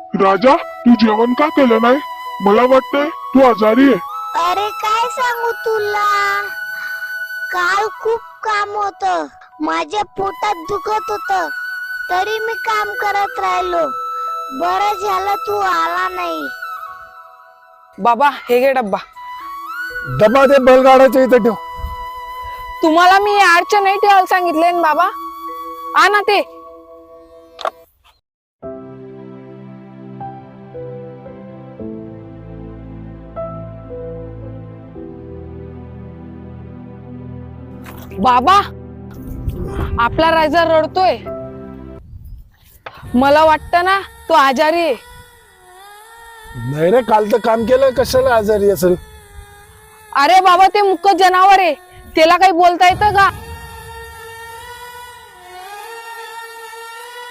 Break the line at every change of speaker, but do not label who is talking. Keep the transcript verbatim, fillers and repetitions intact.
राजा, तू जेवण का केलं नाही? मला वाटतंय तू आजारी आहे.
अरे काय सांगू तुला, काल खूप काम होत, माझ्या पोटात दुखत होत, तरी मी काम करत राहिलो. बरं झालं तू आला नाही.
बाबा हे घे डब्बा.
डबा ते बैलगाड्याच्या इथे ठेव.
तुम्हाला मी आडच्या नाही ठेवायला सांगितले ना बाबा. आ ना ते. बाबा आपला राजा रडतोय. मला वाटतं ना तो आजारी आहे.
नाही रे, काल तर काम केलं, कशाला आजारी असेल?
अरे बाबा ते मुक जनावर आहे, त्याला काही बोलता येतं का?